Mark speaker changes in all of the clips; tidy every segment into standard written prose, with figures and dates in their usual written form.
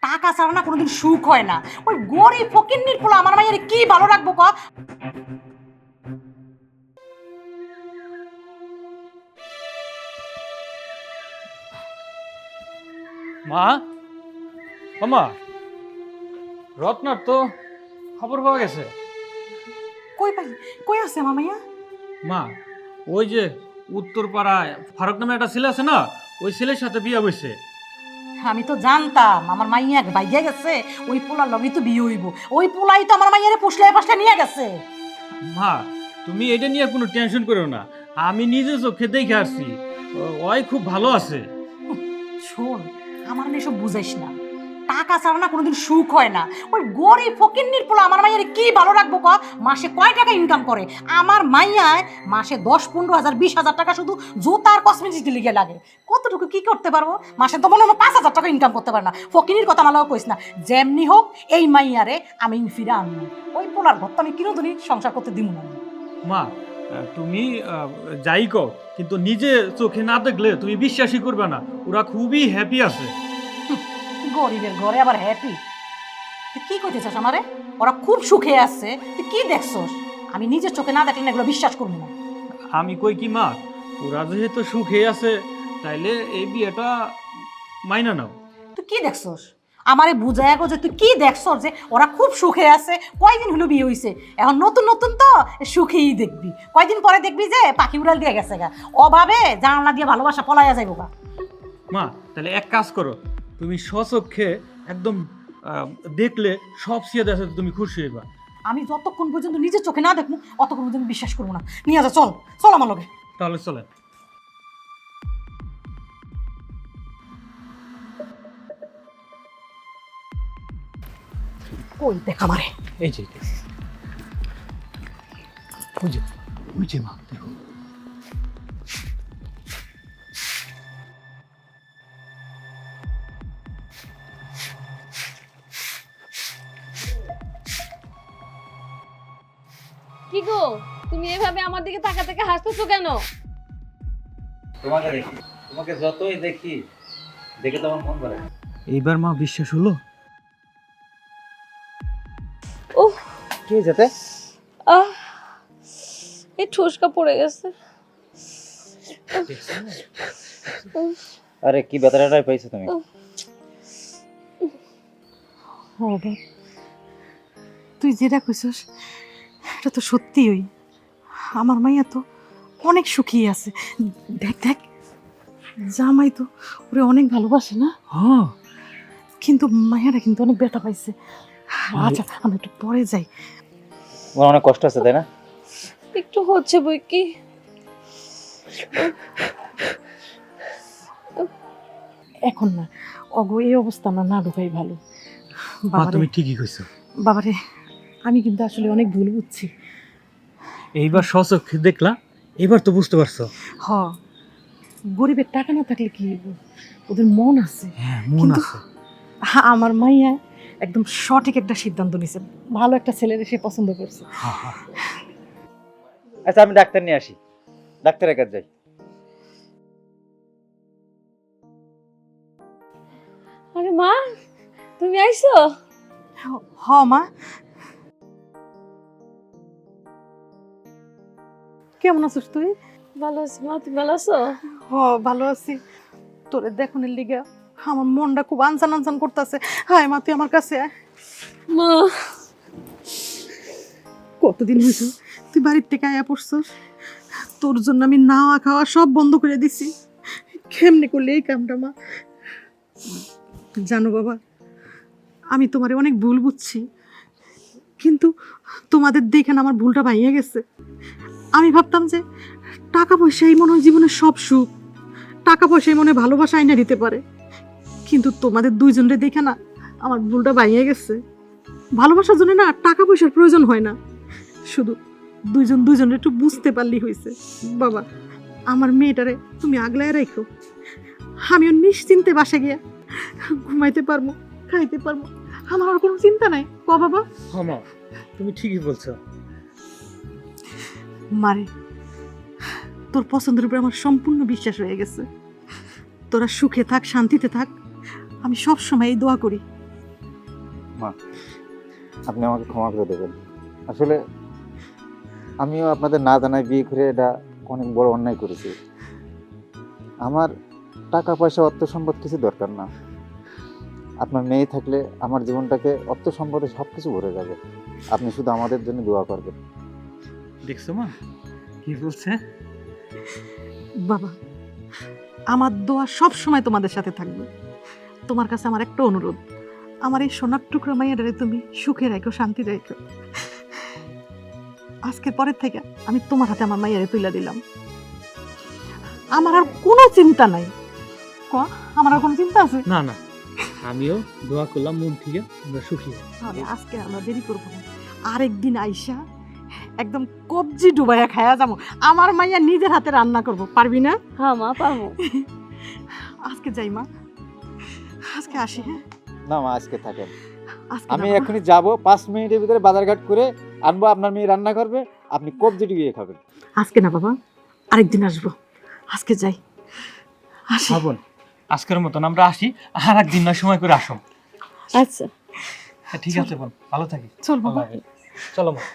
Speaker 1: টাকা ছাড়া না কোনোদিন সুখ হয় না। ওই গরিব ফকিন্নির পোলা আমার মায়ের কি ভালো রাখবো ক?
Speaker 2: মা, ও মা, রত্নার তো খবর পাওয়া গেছে।
Speaker 1: কই পাই, কই আছে আমার মাইয়া?
Speaker 2: মা, ওই যে উত্তরপাড়ায় ফারুক নামে একটা ছেলে আছে না, ওই ছেলের সাথে বিয়ে হয়েছে।
Speaker 1: আমি তো জানতাম আমার মাইয়া বাইয়া গেছে, ওই পোলার লগেই তো বিয়ে হইব। ওই পোলাই তো আমার মাইয়ারে পুষলে পাশলে নিয়ে গেছে।
Speaker 2: মা, তুমি এটা নিয়ে কোনো টেনশন করো না, আমি নিজে চোখে দেখে আসছি, ওই খুব ভালো আছে।
Speaker 1: শোন, আমার মেয়ে সব বুঝাইস না। টাকা ছাড়া না কোনোদিন সুখ হয় না। ওই গরিব ফকিন্নির পোলা আমার মাইয়ারে কি ভালো রাখবো ক? মাসে কয় টাকা ইনকাম করে? আমার মাইয়ায় মাসে 10-15,000 20,000 টাকা শুধু জুতা আর কসমেটিক্স লিগে লাগে। কতটুকু কি করতে পারবো? মাসে তো মনে হয় 5,000 টাকা ইনকাম করতে পারে না। ফকিনির কথা মালাও কইস না। যেমনি হোক এই মাইয়ারে আমি ফিরে আনবো। ওই পোলার ঘর তো আমি কিনোদিনই সংসার করতে দিব না।
Speaker 2: মা, তুমি যাই কও, কিন্তু নিজে চোখে না দেখলে তুমি বিশ্বাসই করবে না, ওরা খুবই হ্যাপি আছে।
Speaker 1: গরিবের ঘরে আবার হ্যাপি? তুই কি কইতেছস আমারে? ওরা খুব সুখে আছে, তুই কি দেখছস? আমি নিজের চোখে না দেখলে না এগুলো বিশ্বাস করবো না।
Speaker 2: আমি কই কি মা, ওরা যেহেতু সুখে আছে তাইলে এই বিয়েটা মাইনা নাও।
Speaker 1: তুই কি দেখছস? আমারে বুঝায় গো যে তুই কি দেখছস যে ওরা খুব সুখে আছে। কয়দিন হলো বিয়ে হইছে, এখন নতুন নতুন তো সুখেই দেখবি। কয়দিন পরে দেখবি যে পাখি উড়াল দিয়ে গেছে গা, অভাবে জানলা দিয়ে ভালোবাসা পলাইয়া যাইব গা।
Speaker 2: মা, তাহলে এক কাজ করো, তুমি স্বচক্ষে একদম দেখলে সব সিয়াদ আছে, তুমি খুশি হইবা।
Speaker 1: আমি যতক্ষণ পর্যন্ত নিজের চোখে না দেখবো অতক্ষণ পর্যন্ত বিশ্বাস করবো না। নিয়ে যা, চল চল আমার লগে।
Speaker 2: তাহলে চলে।
Speaker 1: কই দেখ আমারে।
Speaker 2: এই যে ওই যে ওই যে মা, দেখো।
Speaker 3: কি গো, তুমি এভাবে আমার দিকে তাকা তাকা হাসতেছো কেন?
Speaker 4: তোমাকে দেখি, তোমাকে যতই দেখি দেখে তোমার মন ভরে না।
Speaker 2: এইবার মা বিশ্বাস হলো?
Speaker 3: উহ,
Speaker 4: কি যেতে
Speaker 3: আহ, এই ঠুসকা পড়ে গেছে।
Speaker 4: আরে কি ব্যথাটাই পাইছো তুমি?
Speaker 1: ও বাপ, তুই যেটা কইছস এটা তো সত্যিই। আমার মাইয়া তো অনেক সুখী আছে। দেখ দেখ, জামাই তো ওরে অনেক ভালোবাসে না?
Speaker 2: হ্যাঁ।
Speaker 1: কিন্তু মাইয়াটা কিন্তু অনেক ব্যথা পাইছে। আচ্ছা আমরা একটু পরে যাই।
Speaker 4: তোমার অনেক কষ্ট আছে তাই না?
Speaker 3: একটু হচ্ছে বই কি।
Speaker 1: এখন না, অগো এই অবস্থা আমরা না ঢুকাই ভালো।
Speaker 2: মা, তুমি ঠিকই কইছো।
Speaker 1: বাবারে, আমি কিন্তু আসলে অনেক ভুল বুঝছি।
Speaker 2: এইবার স্বচক্ষে দেখলা, এবার তো বুঝতে পারছো।
Speaker 1: হ, গরিবের টাকা না থাকলে কি হইব? ওদের মন আছে।
Speaker 2: হ্যাঁ, মন
Speaker 1: কিন্তু
Speaker 2: আছে।
Speaker 1: আমার মাইয়া একদম সঠিক একটা সিদ্ধান্ত নিছে। ভালো একটা ছেলের সে পছন্দ করছে।
Speaker 2: হ্যাঁ, হ্যাঁ।
Speaker 4: আচ্ছা আমি ডাক্তার নিয়ে আসি, ডাক্তারের কাছে যাই।
Speaker 3: আরে মা, তুমি আইছো?
Speaker 1: হ মা, কেমন আছিস তুই?
Speaker 3: ভালো আছি মা, তুমি ভালো আছো?
Speaker 1: হ, ভালো আছি। তোরে দেখনের লিগা আমার মনটা খুব আনসান আনসান করতেছে। হায় মা, তুই আমার কাছে আয়।
Speaker 3: মা,
Speaker 1: কতদিন হয়েছে তুই বাড়ির থেকে আয়া পড়ছস? তোর জন্য আমি নাওয়া খাওয়া সব বন্ধ করে দিছি। কেমনে করলে এই কামটা মা? জানো বাবা, আমি তোমারে অনেক ভুল বুঝছি, কিন্তু তোমাদের দেখে না আমার ভুলটা ভাইয়া গেছে। আমি ভাবতাম যে টাকা পয়সাই মনে হয় জীবনের সব সুখ, টাকা পয়সাই মনে হয় ভালোবাসা আইনা দিতে পারে। কিন্তু তোমাদের দুইজনরে দেখে না আমার ভুলটা ভাইয়া গেছে। ভালোবাসার জন্য না টাকা পয়সার প্রয়োজন হয় না, শুধু দুইজন দুইজনের একটু বুঝতে পারলেই হয়েছে। বাবা, আমার মেয়েটারে তুমি আগলায় রাখো। আমিও নিশ্চিন্তে বাসা গিয়া ঘুমাইতে পারবো, খাইতে পারবো, আমার আর কোনো চিন্তা নাই। ক বাবা?
Speaker 2: হ্যাঁ মা, তুমি ঠিকই বলছো।
Speaker 1: মারে, তোর পছন্দের উপরে আমার সম্পূর্ণ বিশ্বাস হয়ে গেছে। তোরা সুখে থাক, শান্তিতে থাক, আমি সব সময় এই দোয়া করি
Speaker 5: মা, আপনি আমাকে ক্ষমা করে দেবেন। আসলে আমিও আপনাদের না জানায় বিয়ে করে এটা অনেক বড় অন্যায় করেছি। আমার টাকা পয়সা অর্থ সম্পদ কিছু দরকার না। আপনার মেয়ে থাকলে আমার জীবনটাকে অর্থ সম্পদে সব কিছু ভরে যাবে। আপনি শুধু আমাদের জন্য দোয়া করবেন।
Speaker 2: দেখছো মা কি বলছে?
Speaker 1: বাবা, আমার দোয়া সব সময় তোমাদের সাথে থাকবে। তোমার কাছে আমার একটা অনুরোধ, আমার এই সোনার টুকরো মাইয়াটারে তুমি সুখে রাখো, শান্তি রাখো। আজকের পরের থেকে আমি তোমার হাতে আমার মাইয়ারে তুলে দিলাম। আমার আর কোনো চিন্তা নাই। ক, আমার আর কোনো চিন্তা আছে?
Speaker 2: না না, আমিও দোয়া করলাম মন থেকে আমরা সুখী হই।
Speaker 1: তাহলে আজকে আমরা দেরি করবো না, আরেকদিন আইসা একদম কবজি ডুবাইয়া খায়া যাবো। আমার মাইয়া নিজের হাতে রান্না করবো, পারবি না?
Speaker 3: হ্যাঁ মা, পাবো।
Speaker 1: আজকে যাই মা, আজকে আসি। হ্যাঁ,
Speaker 5: না মা, আজকে থাকেন।
Speaker 1: আজকে
Speaker 5: আমি
Speaker 1: যাবো।
Speaker 5: এখনই যাব, 5 মিনিটের ভিতরে বাজারঘাট করে আনবো। আপনার মেয়ে রান্না করবে, আপনি কবজি ডুবিয়ে খাবেন।
Speaker 1: আজকে না বাবা, আরেকদিন আসবো। আজকে যাই, আসি।
Speaker 2: হ্যাঁ বোন, আজকের মতন আমরা আসি, আর একদিন না সময় করে আসো।
Speaker 3: আচ্ছা,
Speaker 2: হ্যাঁ, ঠিক আছে বোন, ভালো থাকি।
Speaker 1: চল বাবা।
Speaker 2: আল্লাহ হাফেজ। চলো মা।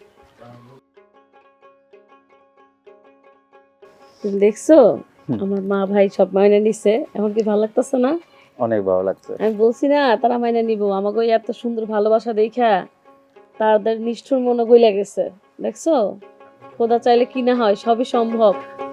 Speaker 3: তুমি দেখছো
Speaker 5: হুম।
Speaker 3: আমার মা ভাই সব মাইনা নিছে, এখন কি ভালো লাগতেছে না?
Speaker 5: অনেক ভালো লাগছে।
Speaker 3: আমি বলছি না তারা মাইনা নিব, আমাকে ওই এত সুন্দর ভালোবাসা দেখা তাদের নিষ্ঠুর মনে গইলা গেছে। দেখছো, খোদা চাইলে কি না হয়, সবই সম্ভব।